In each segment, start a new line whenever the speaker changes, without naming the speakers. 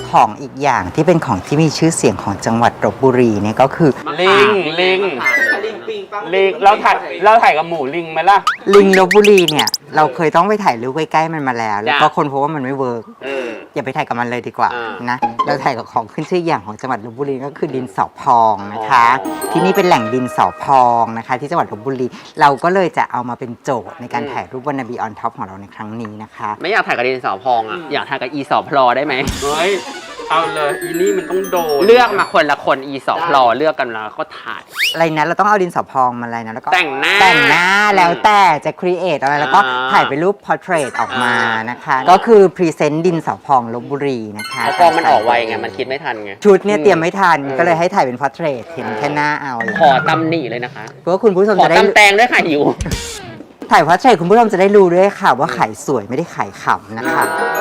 ของอีกอย่างที่เป็นของที่มีชื่อเสียงของจังหวัดลพบุรีเนี่ยก็คือ
ลิงเราถ่ายกับหมูลิงไหมล่ะ
ลิงลพบุรีเนี่ยเราเคยต้องไปถ่ายรูปใกล้ๆมันมาแล้วแล้วก็คนพบว่ามันไม่เวิร์กอย่าไปถ่ายกับมันเลยดีกว่านะเราถ่ายกับของขึ้นชื่ออย่างของจังหวัดลพบุรีก็คือดินสอพองนะคะที่นี่เป็นแหล่งดินสอพองนะคะที่จังหวัดลพบุรีเราก็เลยจะเอามาเป็นโจทย์ในการถ่ายรูปวันนาบีออนท็อปของเราในครั้งนี้นะคะ
ไม่อยากถ่ายกับดินสอพองอ่ะอยากถ่ายกับอีสอพลอได้ไหม
เฮ้ยเอาเลยอีนี่มันต้องโดน
เลือกมาคนละคนอีสอพลอเลือกกันแล้วก็ถ่าย
อะไรนะเราต้องเอาดินสอพองมาอะไรนะแล้วก็
แต่งหน้า
แล้วแต่จะครีเอทอะไรแล้วก็ถ่ายเป็นรูปพอร์เทรตออกมานะคะก็คือพรีเซนต์ดินสอพองลพบุรีนะคะ
พอมันออกไวไงมันคิดไม่ทันไง
ชุดเนี่ยเตรียมไม่ทันก็เลยให้ถ่ายเป็นพอร์เทรตเห็นแค่หน้าเอา
ขอตำหนิเลยนะคะ
เพราะว่าคุณผู้ชมจะได้
ขอตำแตงด้วยค่ะหิว
ถ่ายพอร์เทรตคุณผู้ชมจะได้รู้ด้วยค่ะว่าขายสวยไม่ได้ขายขำนะคะ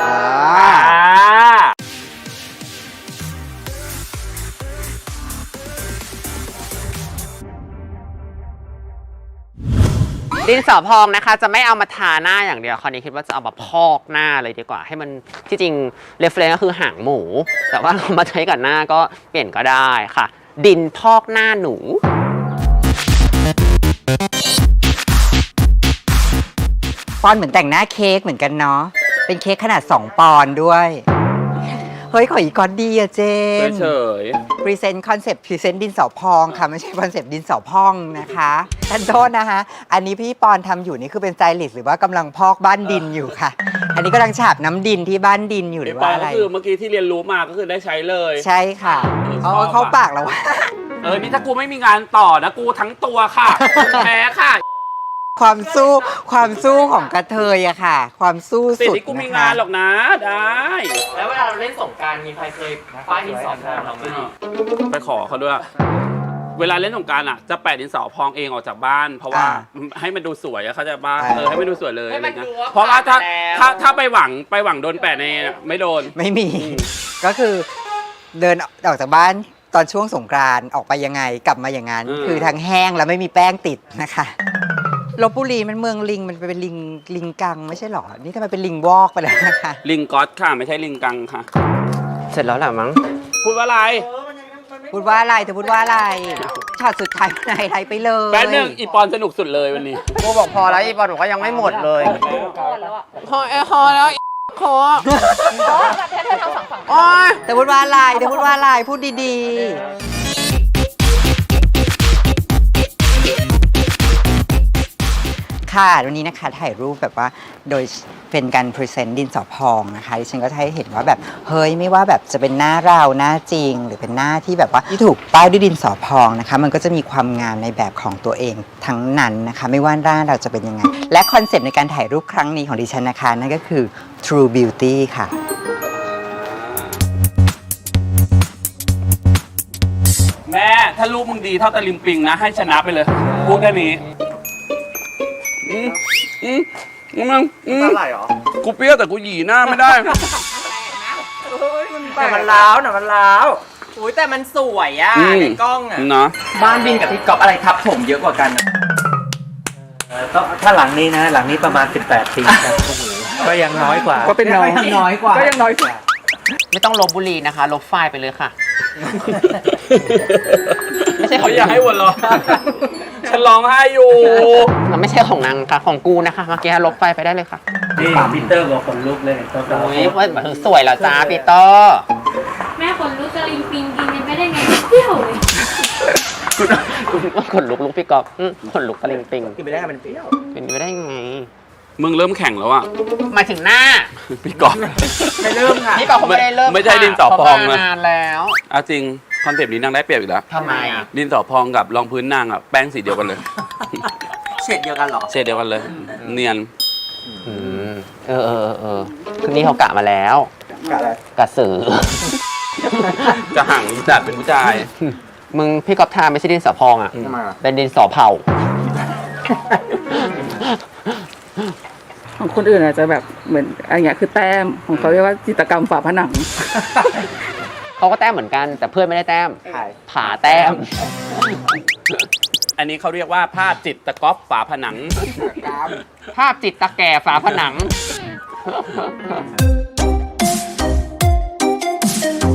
ดินสอพองนะคะจะไม่เอามาทาหน้าอย่างเดียวคราวนี้คิดว่าจะเอามาพอกหน้าเลยดีกว่าให้มันที่จริงเรฟเฟรนซ์ก็คือหางหมูแต่ว่าเรามาใช้กับหน้าก็เปลี่ยนก็ได้ค่ะ ดินพอกหน้าหนู
ปอนเหมือนแต่งหน้าเค้กเหมือนกันเนาะเป็นเค้กขนาด2 ปอนด์ด้วยเฮ้ยขออีกก้อนดีอะเจน
เฉย
พรีเซนต์คอนเซปต์พรีเซนต์ดินสอพองค่ะไม่ใช่คอนเซปต์ดินสอพองนะคะท่านโทษนะคะอันนี้พี่ปอนทำอยู่นี่คือเป็นสไตลิสต์หรือว่ากำลังพอกบ้านดินอยู่ค่ะอันนี้กำลังฉาบน้ำดินที่บ้านดินอยู่หรือว่าอะไร
คือเมื่อกี้ที่เรียนรู้มาก็คือได้ใช้เลย
ใช่ค่ะเขาปากแล้วว่า
นี่ถ้ากูไม่มีงานต่อนะกูทั้งตัวค่ะแพ้ค่ะ
ความสู้ของกระเทยอะค่ะความสู้สุด
ที่กูมีงานหรอกนะได้
แล้วเวลาเราเล่นสงกรานต์มีใครเคยป้ายดินสอพองเราไหม
ไปขอเขาด้วยเวลาเล่นสงกรานต์อ่ะจะแปะดินสอพองเองออกจากบ้านเพราะว่าให้มันดูสวยอะเขาจะบ้านให้มันดูสวยเลยอะไรเงี้ยเพราะว่าถ้าไปหวังโดนแปะในไม่โดน
ไม่มีก็คือเดินออกจากบ้านตอนช่วงสงกรานต์ออกไปยังไงกลับมาอย่างนั้นคือทั้งแห้งแล้วไม่มีแป้งติดนะคะลพบุรีมันเมืองลิงมันเป็นลิงกังไม่ใช่หรอนี่ทำไมเป็นลิงวอกไปแล้วนะคะ
ลิงก๊อตค่ะไม่ใช่ลิงกังค่ะ
เสร็จแล้วแหละมั้ง
พูดว่าอะไร
เธอพูดว่าอะไรช็อตสุดท้ายไทยไปเลย
แป๊บนึงอีปอนสนุกสุดเลยวันนี้
กูบอกพอแล้วอีปอนบอกว่ายังไม่หมดเลยพอแล้วขอ
เธอทำฝั่งเธอพูดว่าอะไรพูดดีค่ะวันนี้นะคะถ่ายรูปแบบว่าโดยเป็นการพรีเซนต์ดินสอพองนะคะดิฉันก็จะให้เห็นว่าแบบเฮ้ยไม่ว่าแบบจะเป็นหน้าเราหน้าจริงหรือเป็นหน้าที่แบบว่าที่ถูกป้ายด้วยดินสอพองนะคะมันก็จะมีความงามในแบบของตัวเองทั้งนั้นนะคะไม่ว่าหน้าเราจะเป็นยังไงและคอนเซปต์ในการถ่ายรูปครั้งนี้ของดิฉันนะคะนั่นก็คือ True Beauty ค่ะ
แม่ถ้ารูปมึงดีเท่าตะลิมปิงนะให้ชนะไปเลยพูดแค่นี้
อะไรหรอ
กูเปรี้ยวแต่กูหยีหน้าไม่ได้
แต่มันล้าวอุ้ยแต่มันสวยอ่ะในกล้องอ่ะ
นะ
บ้านบินกับพี่ก๊อฟอะไรทับผมเยอะกว่ากัน
ถ้าหลังนี้นะหลังนี้ประมาณ18 ปีก็ยังน้อยกว่า
ก็เป็นน้อยก็ยังน้อยกว่า
ไม่ต้องลบบุรีนะคะลบไฟล์ไปเลยค่ะ
ไม่ใช่เขาอยากให้วนหรอฉันร้องไห้อยู่
มันไม่ใช่ของนางค่ะของกูนะคะเมื่อกี้ลบไฟล์ไปได้เลยค่ะ
นี่ปีเตอร์บอกคนลุกเลย
โอ้ยว่าสวยเหรอจ้าปีเตอร์
แม่คนลุกจะลิงปิงกินกันไม่ได้ไงเที่ยวเลย
ขนลุกพี่กอบขนลุกตะลิงปิง
กินไม่ได้มันเปรี้ยว
เป็นไปได้ไง
มึงเริ่มแข่งแล้วอ่ะ
มาถึงหน้า
พี่กอบ
ไม่เริ่มค่ะพี่กอบเขาไม่ได้เริ่ม
ไม่ใช่ดินสอพอง
นานแล้ว
จริงคอนเซปต์นี้นางได้เปรียบอีกแล้ว
ทำไมอ่ะ
ดินสอพองกับรองพื้นนางอ่ะแป้งสีเดียวกันเลย
เฉดเดียวกันหรอ
เฉดเดียวกันเลยเนียน
คืนนี้เขากะมาแล้ว
กะอะไร
กะสือ
จะห่างจัดเป็นผู้ชาย
มึงพี่กอบทาไม่ใช่ดินสอพองอ่ะเป็นดินสอเผา
ของคนอื่นอาจจะแบบเหมือนอะไรเงี้ยคือแต้มของเขาเรียกว่าจิตรกรรมฝาผนัง
เขาก็แต้มเหมือนกันแต่เพื่อนไม่ได้แต้มผ่าแต้ม
อันนี้เขาเรียกว่าภาพจิตตะก๊อปฝาผนัง
ภาพจิตตะแก่ฝาผนัง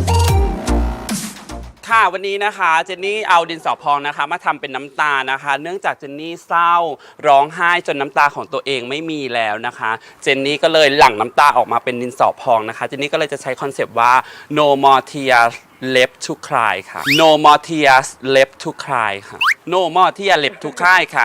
วันนี้นะคะเจนนี่เอาดินสอพองนะคะมาทำเป็นน้ำตานะคะ เนื่องจากเจนนี่เศร้าร้องไห้จนน้ำตาของตัวเองไม่มีแล้วนะคะเจนนี่ก็เลยหลั่งน้ำตาออกมาเป็นดินสอพองนะคะเจนนี่ก็เลยจะใช้คอนเซปต์ว่า no more tears left to cry ค่ะ no more tears left to cry ค่ะ no more tears left to cry ค่ะ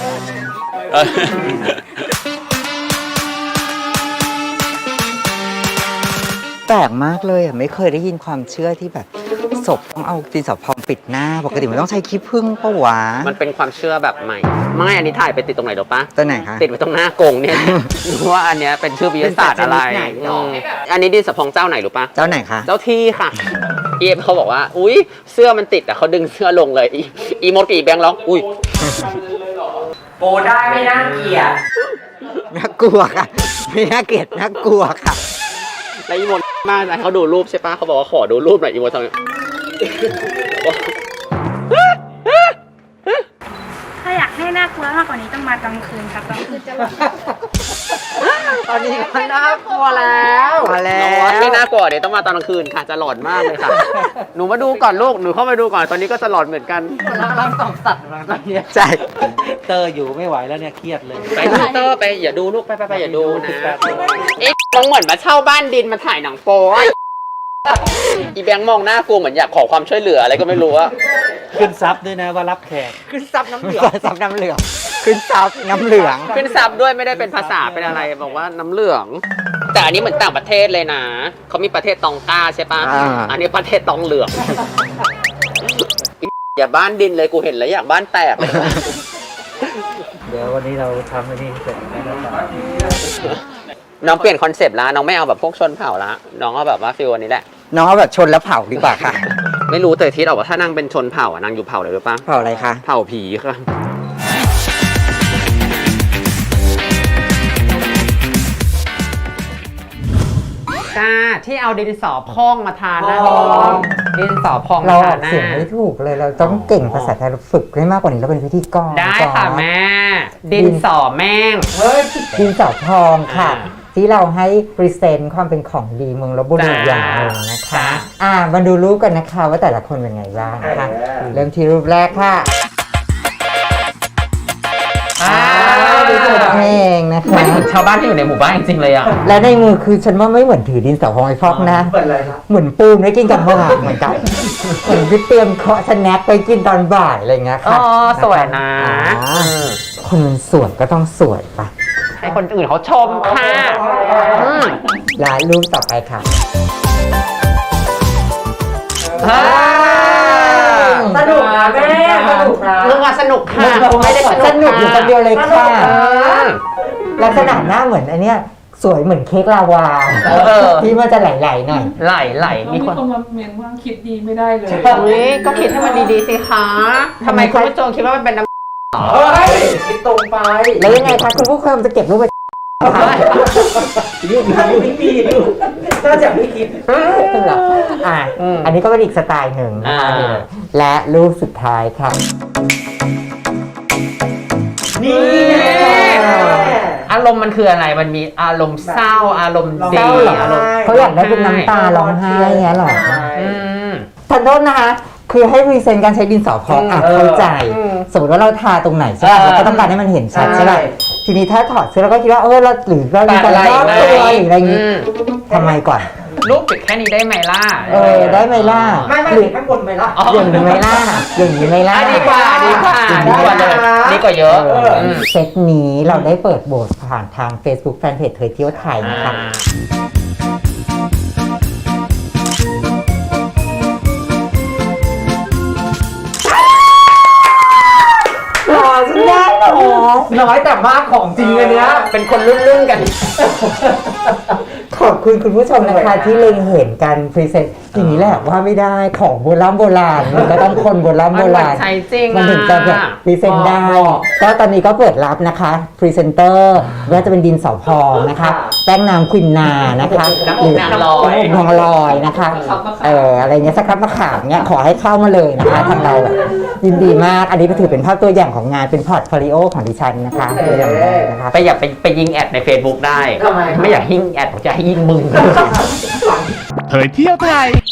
แปลกมากเลยอ่ะไม่เคยได้ยินความเชื่อที่แบบศพต้องเอาดินสอพองปิดหน้าปกติมันต้องใช้ขี้ผึ้งปะวะ
มันเป็นความเชื่อแบบใหม่ ไม่อันนี้ถ่ายไปติดตรงไหนหรอปะ
ตัวไหนคะ
ติดไว้ตรงหน้ากรงเนี่ยรู้ว่าอันเนี้ยเป็นชื่อวิทยาศาสตร์อะไรอันนี้ดินสอพองเจ้าไหนรู้ปะ
เจ้าไหนคะ
เจ้าที่ค่ะเอฟเขาบอกว่าอุ้ยเสื้อมันติดแต่เขาดึงเสื้อลงเลยอีมดกับอีแบงค์ร้องอุ้ยโปได้ไม่น่าเกลียด
น่ากลัวค่ะไม่น่าเกลียดน่ากลัวค่ะ
แล้วอีมดมากนะเขาดูรูปใช่ปะเขาบอกว่าขอดูรูปหน่อยอีมดทำไง
ถ้าอยากให้น่ากลัวมากกว่านี้ต้องมากลางคืนครับกลางคืนจะแบบ
ตอนนี้ก็น่ากลัวแล้ว
มาแล้ว
ไม่น่ากลัวเดี๋ยวต้องมาตอนกลางคืนค่ะจะหลอนมากเลยค่ะ หนูมาดูก่อนลูกหนูเข้ามาดูก่อนตอนนี้ก็จะหลอนเหมือนกันร่างสองสัตว์ตอนนี้
ใช่
เตอร์อยู่ไม่ไหวแล้วเนี่ยเครียดเลย
ไปดูเตอร์ไปอย่าดูลูกไปอย่าดูนะเอ๊ะมองเหมือนมาเช่าบ้านดินมาถ่ายหนังโป๊อีแบงค์มองหน้ากูเหมือนอยากขอความช่วยเหลืออะไรก็ไม่รู้อะ
ขึ้นซับด้วยนะว่ารับแขก
ขึ้นซับน้ำเหลือง
ซับน้ำเหลืองขึ้นซับน้ำเหลือง
ขึ้นซับด้วยไม่ได้เป็นภาษาเป็นอะไรบอกว่าน้ำเหลือง แต่อันนี้เหมือนต่างประเทศเลยนะเขามีประเทศตองต้าใช่ปะอันนี้ประเทศตองเหลืองอย่าบ้านดินเลยกูเห็นแล้วอยากบ้านแตกเลย
เดี๋ยววันนี้เราทำอันนี้เสร็จแล้วนะครับ
น้องเปลี่ยนคอนเซปต์แล้วน้องไม่เอาแบบพวกชนเผ่าละน้องเอาแบบว่าฟิลวันนี้แหละ
น้องเอาแบบชนแล้วเผาดีกว่าค่ะ
ไม่รู้แต่ทิศออกว่าถ้านางเป็นชนเผ่าอ่ะนางอยู่เผ่าอะไรหรือปะ
เผาอะไรคะ
เผ่าผีค่ะจ้าที่เอาดินสอพองมาทาหน้าดินสอพอง
เรา
มา
อ
ทา
อก
หน้า
เสียงไม่ถูกเลยเราต้องเก่งภาษาไทยเราฝึกให้มากกว่านี้เราเป็นพิธีกร
ได้ค่ะแม่ ดินสอแม่ง
ดินสอพองค่ะ ที่เราให้พรีเซนต์ความเป็นของดีเมืองลพบุรีอย่างหนึ่งนะคะมาดูรูปกันนะคะว่าแต่ละคนเป็นไงบ้างนะคะเริ่มที่รูปแรกค่ะดินสอเองนะคะ
ไม่ถึงชาวบ้านที่อยู่ในหมู่บ้านจริงๆเลยอ่ะ
และในมือคือฉันว่าไม่เหมือนถือดินสอพองไอ้ฟอกนะเหมือนปูมได้กินกับข้าวเหมือนกันเหมือนที่เตรียมเคาะสแน็คไปกินตอนบ่ายอะไรเงี้ยค่ะ
อ๋อสวยนะ
คนมันสวยก็ต้องสวยปะ
ให้คนอื่นเขาชมค่ะ
และรูปต่อไปค่ะสนุกนะแม่สนุกนะ
นึกว่าสนุกค่ะไม่ได้สนุก
สนุกอยู่คนเดียวเลยค่ะ
เออ
ลักษณะหน้าเหมือนอันเนี้ยสวยเหมือนเค้กลาวาที่มันจะไหลๆหน่อย
ไหลมี
มี
ค
คน นมาเมนว่าคิดดีไม่ได้เลย
อุ้ยก็คิดให้มันดีๆสิคะทำไมคุณผู้ชมคิดว่ามันเป็นน้ำ
แล้วยังไงคะคุณผู้ชมจะเก็บรูปไป
รูปนั้นไม่มีดูน่าจะไม่คิด
เหรออันนี้ก็เป็นอีกสไตล์หนึ่งนะคะและรูปสุดท้ายค่ะ
นี่อารมณ์มันคืออะไรมันมีอารมณ์เศร้าอารมณ์ดีอารมณ์
เขาอยากได้เป็นน้ำตาร้องไห้เงี้ยหรอ
ม
ทันโทษนะคะคือให้พรีเซนต์การใช้ดินสอพองเข้าใจสมมติว่าเราทาตรงไหนใช่ไหมเราก็ต้องการให้มันเห็นชัดใช่ไหมทีนี้ถ้าถอดเสื้อเราก็คิดว่าเราหรือเรามีการรอบตัวหรืออะไรอย่างงี้ทำไมก่อน
รูปปิดแค่นี้ได้ไหมล่ะ
ได้ไหมล่ะหรือข้างบนไหมล่ะอย่างนี้ไหมล่ะอย่างนี้ไหมล่ะ
ดีกว่าเลยดีกว่าเยอะ
เซตนี้เราได้เปิดโบสผ่านทาง Facebook Fanpage เธอเที่ยวไทยนะคะฉันได้เหรอ
น้อยแต่มากของจริงเลยเนี้ยเป็นคนรุ่นๆกัน
ขอบคุณคุณผู้ชมนะคะที่เล็งเห็นการพรีเซนต์อย่างนี้แหละว่าไม่ได้ของโบราณมันก็ต้องคนโบราณ
ใช้จริง
มันถึงจะแบบพรีเซนต์ได้ก็ตอนนี้ก็เปิดรับนะคะพรีเซนเตอร์ว่าจะเป็นดินสอพองนะคะแป้งน้ำควินนานะคะ
น้ำอบนางลอย
น้ำอบนางลอยนะคะอะไรเงี้ยสักครับมะขามเงี้ยขอให้เข้ามาเลยนะคะทางเราแบบยินดีมากอันนี้ก็ถือเป็นภาพตัวอย่างของงานเป็นพอร์ตโฟลิโอของดิฉันนะคะตัวอย่างแรกนะคะ
ไปอยากไปยิงแอดใน Facebook ได้ไม่อยากยิงแอดผมจะให้ยิงมึง
เผยเที่ยวไทย